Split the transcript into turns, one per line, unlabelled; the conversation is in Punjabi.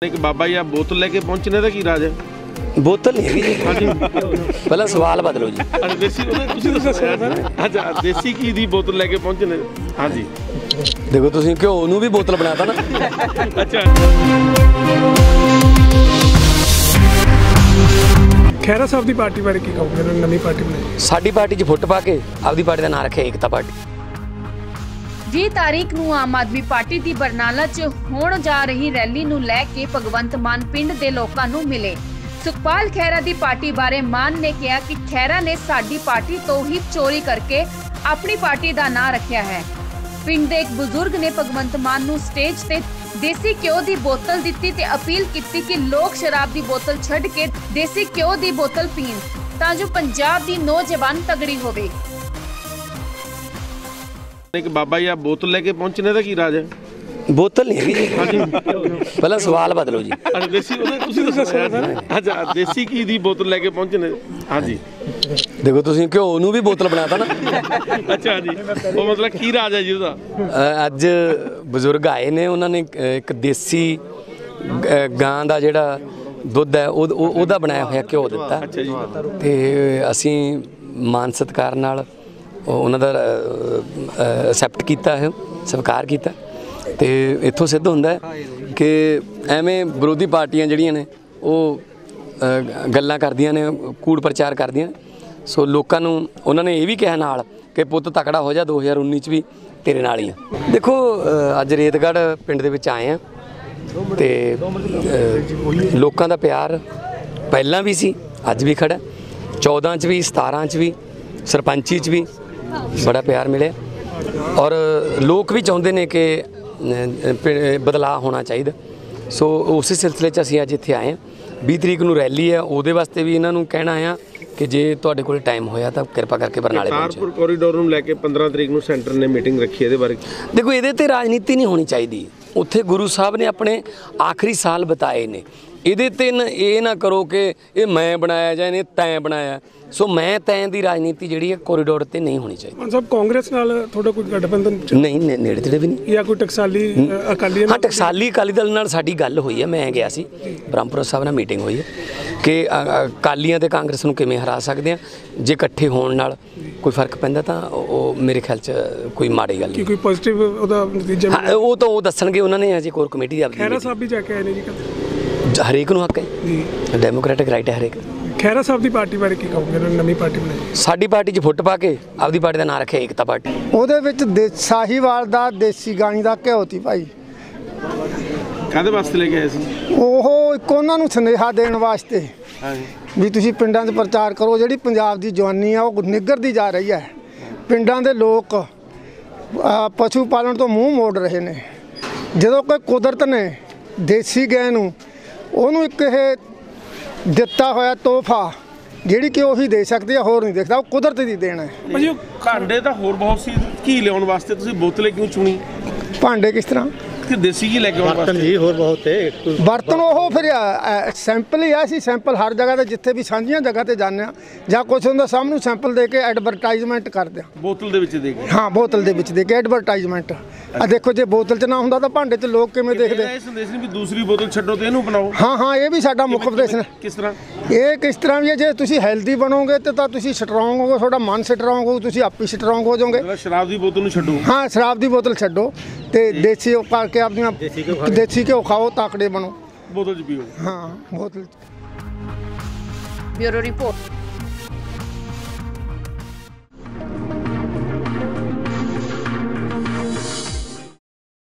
एक बाबा जी बोतल लेके पहुंचने का की राज है?
बोतल नहीं है
हाँ जी,
पहला सवाल बदलो जी।
अच्छा देसी घी दी बोतल लेके पहुंचने। हाँ जी
देखो तुसीं घ्यो नूं भी बोतल बनाता ना।
अच्छा
खैरा साहब की पार्टी बारे की कहोगे? नवी पार्टी बनाई
साडी पार्टी च फुट पा के आपदी पार्टी का नाम रखे एकता पार्टी।
20 ਤਾਰੀਖ ਨੂੰ ਆਮ ਆਦਮੀ ਪਾਰਟੀ ਦੀ ਬਰਨਾਲਾ 'ਚ ਹੋਣ ਜਾ ਰਹੀ ਰੈਲੀ ਨੂੰ ਲੈ ਕੇ ਭਗਵੰਤ ਮਾਨ ਪਿੰਡ ਦੇ ਲੋਕਾਂ ਨੂੰ ਮਿਲੇ। ਸੁਖਪਾਲ ਖਹਿਰਾ ਦੀ ਪਾਰਟੀ ਬਾਰੇ ਮਾਨ ਨੇ ਕਿਹਾ ਕਿ ਖਹਿਰਾ ਨੇ ਸਾਡੀ ਪਾਰਟੀ ਤੋਂ ਹੀ ਚੋਰੀ ਕਰਕੇ ਆਪਣੀ ਪਾਰਟੀ ਦਾ ਨਾਂ ਰੱਖਿਆ ਹੈ। ਪਿੰਡ ਦੇ ਇੱਕ ਬਜ਼ੁਰਗ ਨੇ ਭਗਵੰਤ ਮਾਨ ਨੂੰ ਸਟੇਜ ਤੇ ਦੇਸੀ ਘਿਓ ਦੀ ਬੋਤਲ ਦਿੱਤੀ ਤੇ ਅਪੀਲ ਕੀਤੀ ਕਿ ਲੋਕ ਸ਼ਰਾਬ ਦੀ ਬੋਤਲ ਛੱਡ ਕੇ ਦੇਸੀ ਘਿਓ ਦੀ ਬੋਤਲ ਪੀਣ ਤਾਂ ਜੋ ਪੰਜਾਬ ਦੀ ਨੌਜਵਾਨ ਤਗੜੀ ਹੋਵੇ।
एक बाबा जी बोतल लेके पहुंचने का की राज है?
बोतल नहीं है
हाँ जी,
पहला सवाल बदलो जी।
अच्छा देसी घी दी बोतल लेके पहुंचने। हाँ जी
देखो तुसीं घ्यो नूं भी बोतल बनाता ना।
अच्छा जी वो मतलब की राज है जी उसदा?
अज बजुर्ग आए ने उन्होंने एक देसी गां दा जिहड़ा दुध है ਉਹਦਾ बनाया होया घ्यो दिता ते असीं मान सत्कार नाल ਉਹਨਾਂ ਦਾ ਐਕਸੈਪਟ ਕੀਤਾ ਹੈ, ਸਵੀਕਾਰ ਕੀਤਾ ਤੇ ਇੱਥੋਂ ਸਿੱਧ ਹੁੰਦਾ ਕਿ ਐਵੇਂ ਵਿਰੋਧੀ ਪਾਰਟੀਆਂ ਜਿਹੜੀਆਂ ਨੇ ਉਹ ਗੱਲਾਂ ਕਰਦੀਆਂ ਨੇ, ਕੂੜ ਪ੍ਰਚਾਰ ਕਰਦੀਆਂ। ਸੋ ਲੋਕਾਂ ਨੂੰ ਉਹਨਾਂ ਨੇ ਇਹ ਵੀ ਕਿਹਾ ਨਾਲ ਕਿ ਪੁੱਤ ਤਕੜਾ ਹੋ ਜਾ, 2019 ਚ ਵੀ ਤੇਰੇ ਨਾਲ ਹੀ ਆ। ਦੇਖੋ ਅੱਜ ਰੇਤਗੜ੍ਹ ਪਿੰਡ ਦੇ ਵਿੱਚ ਆਏ ਆ ਤੇ ਲੋਕਾਂ ਦਾ ਪਿਆਰ ਪਹਿਲਾਂ ਵੀ ਸੀ, ਅੱਜ ਵੀ ਖੜਾ, 14 ਚ ਵੀ, 17 ਚ ਵੀ, ਸਰਪੰਚੀ ਚ ਵੀ बड़ा प्यार मिले और लोग भी चाहते हैं कि बदलाव होना चाहिए। सो उस सिलसिले असीं अज इत्थे आए हैं। 20 तरीक नूं रैली है, उहदे वास्ते भी इन्हां नूं कहना है कि जे तुहाडे कोल टाइम होया तां किरपा करके बरनाले पहुंचो।
कारपुर कॉरीडोर नूं लैके 15 तरीक नूं सेंटर ने मीटिंग रखी है, इहदे बारे
देखो इहदे ते राजनीति नहीं होनी चाहिए। उत्थे गुरु साहब ने अपने आखिरी साल बिताए ने, ਇਹਦੇ ਤੇ ਇਹ ਨਾ ਕਰੋ ਕਿ ਇਹ ਮੈਂ ਬਣਾਇਆ ਜਾਂ ਇਹਨੇ ਤੈਂ ਬਣਾਇਆ। ਸੋ ਮੈਂ ਤੈਂ ਦੀ ਰਾਜਨੀਤੀ ਜਿਹੜੀ ਹੈ ਕੋਰੀਡੋਰ ਤੇ ਨਹੀਂ ਹੋਣੀ ਚਾਹੀਦੀ।
ਮਾਨ ਸਾਹਿਬ ਕਾਂਗਰਸ ਨਾਲ ਤੁਹਾਡਾ ਕੋਈ ਗਠਬੰਧਨ
ਨਹੀਂ, ਨੇੜੇ ਤੇੜੇ ਵੀ ਨਹੀਂ।
ਜਾਂ ਕੋਈ ਟਕਸਾਲੀ ਅਕਾਲੀ?
ਹਾਂ, ਟਕਸਾਲੀ ਅਕਾਲੀ ਦਲ ਨਾਲ ਸਾਡੀ ਗੱਲ ਹੋਈ ਹੈ, ਮੈਂ ਗਿਆ ਸੀ, ਬ੍ਰਹਮਪੁਰਾ ਸਾਹਿਬ ਨਾਲ ਮੀਟਿੰਗ ਹੋਈ ਹੈ ਕਿ ਅਕਾਲੀਆਂ ਤੇ ਕਾਂਗਰਸ ਨੂੰ ਕਿਵੇਂ ਹਰਾ ਸਕਦੇ ਆ। ਜੇ ਇਕੱਠੇ ਹੋਣ ਨਾਲ ਕੋਈ ਫਰਕ ਪੈਂਦਾ ਤਾਂ ਉਹ ਮੇਰੇ ਖਿਆਲ 'ਚ ਕੋਈ ਮਾੜੀ ਗੱਲ ਨਹੀਂ।
ਕੋਈ ਪੋਜ਼ਿਟਿਵ ਉਹਦਾ ਨਤੀਜਾ?
ਹਾਂ, ਉਹ ਤਾਂ ਉਹ ਦੱਸਣਗੇ, ਉਹਨਾਂ ਨੇ ਅਜੇ ਕੋਰ ਕਮੇਟੀ ਦੀ।
ਖਹਿਰਾ ਸਾਹਿਬ ਵੀ ਜਾ ਕੇ ਆਏ ਨੇ ਜੀ?
ਹਰੇਕ ਨੂੰ ਹੱਕ ਹੈ ਜੀ, ਡੈਮੋਕ੍ਰੈਟਿਕ ਰਾਈਟ ਹੈ ਹਰੇਕ।
ਖਹਿਰਾ ਸਾਹਿਬ ਦੀ ਪਾਰਟੀ ਬਾਰੇ ਕੀ ਕਹੋਗੇ? ਨਵੀਂ ਪਾਰਟੀ ਬਣਾਈ
ਸਾਡੀ ਪਾਰਟੀ 'ਚ ਫੁੱਟ ਪਾ ਕੇ ਆਪਦੀ ਪਾਰਟੀ ਦਾ ਨਾਂ ਰੱਖਿਆ ਏਕਤਾ ਪਾਰਟੀ।
ਉਹਦੇ ਵਿੱਚ ਸਾਹੀਵਾਲ ਦਾ ਦੇਸੀ ਗਾਣੀ ਦਾ ਘਿਓ ਤੀ ਭਾਈ।
ਕਾਹਦੇ ਵਾਸਤੇ ਲੈ ਕੇ ਆਏ ਸੀ?
ਉਹ ਇੱਕ ਉਹਨਾਂ ਨੂੰ ਸੁਨੇਹਾ ਦੇਣ ਵਾਸਤੇ ਵੀ ਤੁਸੀਂ ਪਿੰਡਾਂ 'ਚ ਪ੍ਰਚਾਰ ਕਰੋ। ਜਿਹੜੀ ਪੰਜਾਬ ਦੀ ਜਵਾਨੀ ਆ ਉਹ ਨਿੱਘਰਦੀ ਜਾ ਰਹੀ ਹੈ। ਪਿੰਡਾਂ ਦੇ ਲੋਕ ਪਸ਼ੂ ਪਾਲਣ ਤੋਂ ਮੂੰਹ ਮੋੜ ਰਹੇ ਨੇ। ਜਦੋਂ ਕੋਈ ਕੁਦਰਤ ਨੇ ਦੇਸੀ ਗਾਂ ਨੂੰ ਉਹਨੂੰ ਇੱਕ ਇਹ ਦਿੱਤਾ ਹੋਇਆ ਤੋਹਫਾ ਜਿਹੜੀ ਕਿ ਉਹੀ ਦੇ ਸਕਦੀ ਆ, ਹੋਰ ਨਹੀਂ ਦੇਖਦਾ, ਉਹ ਕੁਦਰਤ ਦੀ ਦੇਣ ਹੈ।
ਭਾਜੀ ਉਹ ਭਾਂਡੇ ਤਾਂ ਹੋਰ ਬਹੁਤ ਸੀ, ਘੀ ਲਿਆਉਣ ਵਾਸਤੇ ਤੁਸੀਂ ਬੋਤਲੇ ਕਿਉਂ ਚੁਣੀ?
ਭਾਂਡੇ ਕਿਸ ਤਰ੍ਹਾਂ
ਕਿ ਦੇਸੀ ਘੀ ਲੈ ਕੇ ਆਉਣ ਵਾਸਤੇ?
ਹੋਰ ਬਹੁਤ ਹੈ ਬਰਤਨ। ਉਹ ਫਿਰ ਸੈਂਪਲ ਹੀ ਆ। ਅਸੀਂ ਸੈਂਪਲ ਹਰ ਜਗ੍ਹਾ ਤੇ ਜਿੱਥੇ ਵੀ ਸਾਂਝੀਆਂ ਜਗ੍ਹਾ ਤੇ ਜਾਂਦੇ ਹਾਂ ਜਾਂ ਕੁਛ ਹੁੰਦਾ ਸਾਹਮਣੇ ਸੈਂਪਲ ਦੇ ਕੇ ਐਡਵਰਟਾਈਜ਼ਮੈਂਟ ਕਰਦੇ ਹਾਂ।
ਬੋਤਲ ਦੇ ਵਿੱਚ ਦੇ ਕੇ? ਹਾਂ,
ਬੋਤਲ ਦੇ ਵਿੱਚ ਦੇ ਕੇ ਐਡਵਰਟਾਈਜ਼ਮੈਂਟ। ਆ ਦੇਖੋ, ਜੇ ਬੋਤਲ 'ਚ ਨਾ ਹੁੰਦਾ ਤਾਂ ਭਾਂਡੇ 'ਚ ਲੋਕ ਕਿਵੇਂ ਦੇਖਦੇ?
ਇਹ ਸੰਦੇਸ਼ ਨਹੀਂ ਵੀ ਦੂਸਰੀ ਬੋਤਲ ਛੱਡੋ ਤੇ ਇਹਨੂੰ ਬਣਾਓ?
ਹਾਂ, ਇਹ ਵੀ ਸਾਡਾ ਮੁੱਖ ਉਪਦੇਸ਼ ਹੈ।
ਕਿਸ ਤਰ੍ਹਾਂ?
ਇਹ ਕਿਸ ਤਰ੍ਹਾਂ ਵੀ ਹੈ, ਜੇ ਤੁਸੀਂ ਹੈਲਦੀ ਬਣੋਗੇ ਤੇ ਤਾਂ ਤੁਸੀਂ ਸਟਰੋਂਗ ਹੋਗੇ, ਤੁਹਾਡਾ ਮਨ ਸਟਰੋਂਗ ਹੋਊ, ਤੁਸੀਂ ਆਪੇ ਸਟਰੋਂਗ ਹੋ ਜਾਓਗੇ।
ਸ਼ਰਾਬ ਦੀ ਬੋਤਲ ਨੂੰ ਛੱਡੋ? ਹਾਂ,
ਸ਼ਰਾਬ ਦੀ ਬੋਤਲ ਛੱਡੋ ਤੇ ਦੇਸੀ ਕਰਕੇ ਆਪਣੀਆਂ ਦੇਸੀ ਘਿਓ ਖਾਓ, ਤਾਕੜੇ ਬਣੋ,
ਬੋਤਲ 'ਚ ਪੀਓ।
ਹਾਂ, ਬੋਤਲ।
Bureau report.